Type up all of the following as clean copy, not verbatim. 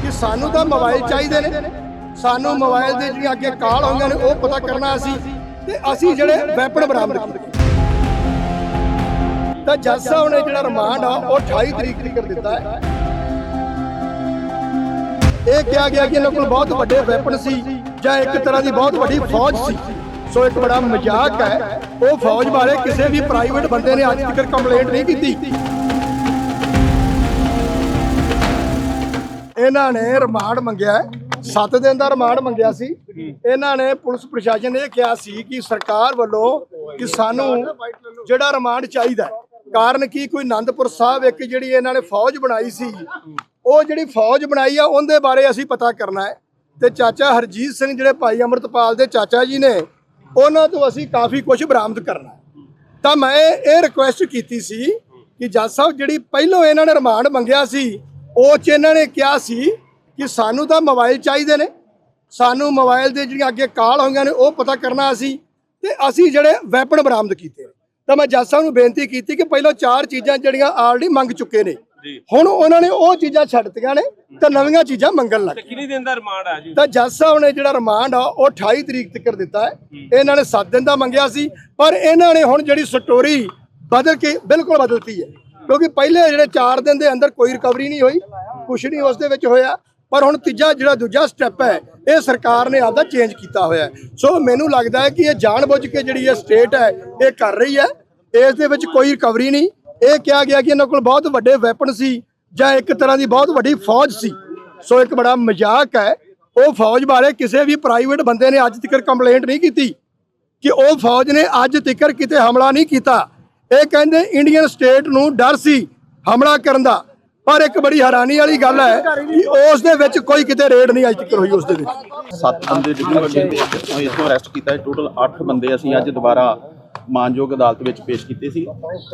कि सानू तो मोबाइल चाहिए ने, सानू मोबाइल दे जिहड़ियां अगे कॉल होईयां ने वो पता करना असी जिहड़े वैपन बरामद कीते तो जज साहब ने जिहड़ा रिमांड आ वो 28 तरीक तक कर दिता है। ये कहा गया कि इन्हां कोल बहुत वड्डे वैपन सी जां एक तरह की बहुत वड्डी फौज सी। सो एक बड़ा मजाक है, वो फौज बारे किसी भी प्राइवेट बंदे ने अज तक कंप्लेंट नहीं की। इन्हां ने रिमांड मंगया 7 दिन का रिमांड मंगया सी। इन्हां ने पुलिस प्रशासन ने कहा सी कि सरकार वालों कि सानू जिहड़ा रिमांड चाहिए, कारण की कोई आनंदपुर साहब एक जिहड़ी इन्हां ने फौज बनाई सी, वो जिहड़ी फौज बनाई आ उहदे बारे असीं पता करना है। ते चाचा हरजीत सिंह जिहड़े भाई अमृतपाल दे चाचा जी ने उन्हां तो असीं काफ़ी कुछ बरामद करना है। तो मैं ये रिक्वेस्ट कीती सी कि जज साहब जिहड़ी पहलों इन्हां ने रिमांड मंगया सी ਉਹ 'ਚ ਇਹਨਾਂ ਨੇ ਕਿਹਾ ਸੀ ਕਿ ਸਾਨੂੰ ਤਾਂ ਮੋਬਾਈਲ ਚਾਹੀਦੇ ਨੇ, ਸਾਨੂੰ ਮੋਬਾਈਲ ਦੇ ਜਿਹੜੀਆਂ ਅੱਗੇ ਕਾਲ ਹੋਈਆਂ ਨੇ ਉਹ ਪਤਾ ਕਰਨਾ ਤੇ ਅਸੀਂ ਜਿਹੜੇ ਵੈਪਨ ਬਰਾਮਦ ਕੀਤੇ ਨੇ। ਤਾਂ ਮੈਂ ਜੱਜ ਸਾਹਿਬ ਨੂੰ ਬੇਨਤੀ ਕੀਤੀ ਕਿ ਪਹਿਲਾਂ 4 ਚੀਜ਼ਾਂ ਜਿਹੜੀਆਂ ਆਲਰੇਡੀ ਮੰਗ ਚੁੱਕੇ ਨੇ, ਹੁਣ ਉਹਨਾਂ ਨੇ ਉਹ ਚੀਜ਼ਾਂ ਛੱਡਤੀਆਂ ਨੇ ਤੇ ਨਵੀਆਂ ਚੀਜ਼ਾਂ ਮੰਗਣ ਲੱਗ ਗਏ। ਕਿੰਨੇ ਦਿਨ ਦਾ ਰਿਮਾਂਡ ਆ ਜੀ? ਤਾਂ ਜੱਜ ਸਾਹਿਬ ਨੇ ਜਿਹੜਾ ਰਿਮਾਂਡ ਆ ਉਹ 28 ਤਰੀਕ ਤੱਕ ਦਿੱਤਾ ਹੈ। ਇਹਨਾਂ ਨੇ 7 ਦਿਨ ਦਾ ਮੰਗਿਆ ਸੀ, ਪਰ ਇਹਨਾਂ ਨੇ ਹੁਣ ਜਿਹੜੀ ਸਟੋਰੀ ਬਦਲ ਕੇ ਬਿਲਕੁਲ ਬਦਲਤੀ ਹੈ, क्योंकि पहले जिहड़े 4 दिन के अंदर कोई रिकवरी नहीं हुई, कुछ नहीं उस दे विच होया, पर हुण तीजा जिहड़ा दूजा स्टैप है ये सरकार ने आपदा चेंज किया होया। सो मैनूं लगदा है कि ये जानबुझ के जिहड़ी ये स्टेट है ये कर रही है, इस दे विच कोई रिकवरी नहीं। ये कहा गया कि इन्हां कोल बहुत वड्डे वैपन सी जां एक तरह की बहुत वड्डी फौज सी। सो एक बड़ा मजाक है, वो फौज बारे किसी भी प्राइवेट बंदे ने अज तक कंप्लेंट नहीं की कि वो फौज ने अज तक किते हमला नहीं किया। ਇਹ ਕਹਿੰਦੇ ਇੰਡੀਅਨ ਸਟੇਟ ਨੂੰ ਡਰ ਸੀ ਹਮਲਾ ਕਰਨ ਦਾ, ਪਰ ਇੱਕ ਬੜੀ ਹੈਰਾਨੀ ਵਾਲੀ ਗੱਲ ਹੈ ਕਿ ਉਸ ਦੇ ਵਿੱਚ ਕੋਈ ਕਿਤੇ ਰੇਡ ਨਹੀਂ ਅਜੇ ਤੱਕ ਹੋਈ। ਉਸ ਦੇ ਵਿੱਚ 7 ਬੰਦੇ ਡਿਪਟੀ ਵੱਡੇ ਇਥੋਂ ਅਰੈਸਟ ਕੀਤਾ, ਟੋਟਲ 8 ਬੰਦੇ ਅਸੀਂ ਅੱਜ ਦੁਬਾਰਾ ਮਾਨਯੋਗ ਅਦਾਲਤ ਵਿੱਚ ਪੇਸ਼ ਕੀਤੇ ਸੀ।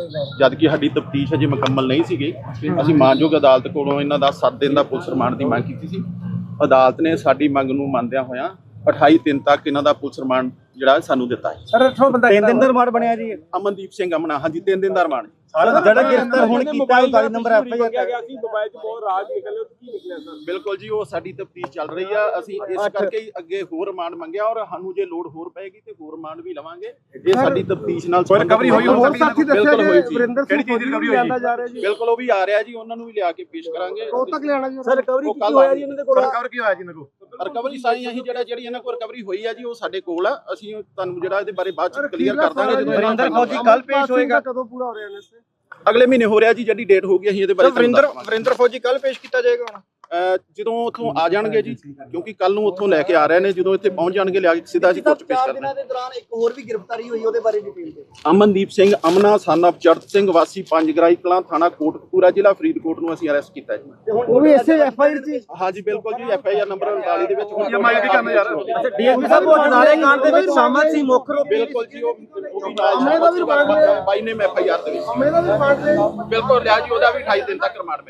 ਜਦ ਕਿ ਸਾਡੀ ਤਫਤੀਸ਼ ਅਜੇ ਮੁਕੰਮਲ ਨਹੀਂ ਸੀਗੀ, ਅਸੀਂ ਮਾਨਯੋਗ ਅਦਾਲਤ ਕੋਲੋਂ ਇਹਨਾਂ ਦਾ 7 ਦਿਨ ਦਾ ਪੁਲਿਸ ਰਿਮਾਂਡ ਦੀ ਮੰਗ ਕੀਤੀ ਸੀ। ਅਦਾਲਤ ਨੇ ਸਾਡੀ ਮੰਗ ਨੂੰ ਮੰਨਦਿਆਂ ਹੋਇਆਂ 28 ਦਿਨ ਤੱਕ ਇਹਨਾਂ ਦਾ ਪੁਲਿਸ ਰਿਮਾਂਡ ਜਿਹੜਾ ਸਾਨੂੰ ਦਿੱਤਾ ਹੈ। ਸਰ 3 ਦਿਨ ਦਾ ਰਿਮਾਂਡ ਬਣਿਆ ਜੀ। ਅਮਨਦੀਪ ਸਿੰਘ ਅਮਨਾ, ਹਾਂਜੀ 3 ਦਿਨ ਦਾ ਰਿਮਾਂਡ। ਜਿਹੜਾ ਗ੍ਰਿਫਤਾਰ ਹੁਣ ਕੀਤਾ ਉਹ 22 ਨੰਬਰ ਐਫਆਈਆਰ ਗਿਆ ਸੀ, ਮੋਬਾਈਲ 'ਚ ਬਹੁਤ ਰਾਜ ਨਿਕਲੇ, ਕੀ ਨਿਕਲਿਆ ਸਰ? ਬਿਲਕੁਲ ਜੀ, ਉਹ ਸਾਡੀ ਤਫਤੀਸ਼ ਚੱਲ ਰਹੀ ਆ। ਅਸੀਂ ਇਸ ਕਰਕੇ ਹੀ ਅੱਗੇ ਹੋਰ ਰਿਮਾਂਡ ਮੰਗਿਆ, ਔਰ ਸਾਨੂੰ ਜੇ ਲੋੜ ਹੋਰ ਪਏਗੀ ਤੇ ਹੋਰ ਰਿਮਾਂਡ ਵੀ ਲਵਾਂਗੇ। ਇਹ ਸਾਡੀ ਤਫਤੀਸ਼ ਨਾਲ ਰਿਕਵਰੀ ਹੋਈ ਹੋਰ ਸਾਥੀ ਦੱਸਿਆ ਬਿਲਕੁਲ ਹੋਈ ਜੀ। ਕਿਹੜੀ ਚੀਜ਼ ਦੀ ਰਿਕਵਰੀ ਹੋਈ ਜਾ ਰਹੀ ਜੀ? ਬਿਲਕੁਲ ਉਹ ਵੀ ਆ ਰਿਹਾ ਜੀ, ਉਹਨਾਂ ਨੂੰ ਵੀ ਲਿਆ ਕੇ ਪੇਸ਼ ਕਰਾਂਗੇ। ਉਹ ਤੱਕ ਲਿਆਣਾ ਜੀ ਸਰ। ਰਿਕਵਰੀ ਕੀ ਹੋਇਆ ਜੀ ਉਹਨਾਂ ਦੇ ਕੋਲ? ਰਿਕਵਰ ਕੀ ਹੋਇਆ ਜੀ ਇਹਨਾਂ ਕੋਲ? ਰਿਕਵਰੀ ਸਾਰੀ ਅਸੀਂ ਜਿਹੜੀ ਇਹਨਾਂ ਕੋਲ ਰਿਕਵਰੀ ਹੋਈ ਆ ਜੀ ਉਹ ਸਾਡੇ ਕੋਲ ਆ। ਅਸੀਂ ਤੁਹਾਨੂੰ ਜਿਹੜਾ ਇਹਦੇ ਬਾਰੇ ਬਾਅਦ ਚ ਕਲੀਅਰ ਕਰ ਦਾਂਗੇ। ਜਦੋਂ ਵਰਿੰਦਰ ਫੌਜੀ ਕੱਲ ਪੇਸ਼ ਹੋਏਗਾ, ਕਦੋਂ ਪੂਰਾ ਹੋ ਰਿਹਾ ਨੇ? ਅਗਲੇ ਮਹੀਨੇ ਹੋ ਰਿਹਾ ਜੀ, ਜਿਹੜੀ ਡੇਟ ਹੋ ਗਈ ਅਸੀਂ ਇਹਦੇ ਬਾਰੇ ਵਰਿੰਦਰ ਫੌਜੀ ਕੱਲ ਪੇਸ਼ ਕੀਤਾ ਜਾਏਗਾ ਹੁਣ ਜਦੋਂ ਉੱਥੋਂ ਆ ਜਾਣਗੇ ਜੀ, ਕਿਉਂਕਿ ਕੱਲ ਨੂੰ ਉੱਥੋਂ ਲੈ ਕੇ ਆ ਰਹੇ ਨੇ। ਜਦੋਂ ਇੱਥੇ ਪਹੁੰਚ ਜਾਣਗੇ ਲਿਆ ਕੇ ਸਿੱਧਾ ਅਸੀਂ ਕੋਰਟ ਪੇਸ਼ ਕਰਨਾ। ਦਿਨਾਂ ਦੇ ਦੌਰਾਨ ਇੱਕ ਹੋਰ ਵੀ ਗ੍ਰਿਫਤਾਰੀ ਹੋਈ, ਉਹਦੇ ਬਾਰੇ ਡਿਟੇਲ ਦਿਓ। ਅਮਨਦੀਪ ਸਿੰਘ ਅਮਨਾ ਸਨ ਆਫ ਚੜਤ ਸਿੰਘ ਵਾਸੀ ਪੰਜਗਰਾਈ ਕਲਾਂ, ਥਾਣਾ ਕੋਟਕਪੂਰਾ, ਜ਼ਿਲ੍ਹਾ ਫਰੀਦਕੋਟ ਨੂੰ ਅਸੀਂ ਅਰੈਸਟ ਕੀਤਾ ਜੀ। ਉਹ ਵੀ ਇਸੇ ਐਫਆਈਆਰ 'ਚ? ਹਾਂਜੀ ਬਿਲਕੁਲ ਜੀ, ਐਫਆਈਆਰ ਨੰਬਰ 39 ਦੇ ਵਿੱਚ ਐਮਆਈ ਵੀ ਕਰਨਾ ਯਾਰ। ਅੱਛਾ, ਡੀਐਸਪੀ ਸਾਹਿਬ ਉਹ ਨਾਲੇ ਕਾਂਡ ਦੇ ਵਿੱਚ ਸ਼ਾਮਲ ਸੀ ਮੁੱਖ ਰੂਪ? ਬਿਲਕੁਲ ਜੀ, ਉਹ ਬਾਈ ਨੇ ਐਫਆਈਆਰ ਦੇ ਵਿੱਚ ਬਿਲਕੁਲ ਲਿਆ ਜੀ। ਉਹਦਾ ਵੀ 28 ਦਿਨ ਤੱਕ ਰਿਮਾਂਡ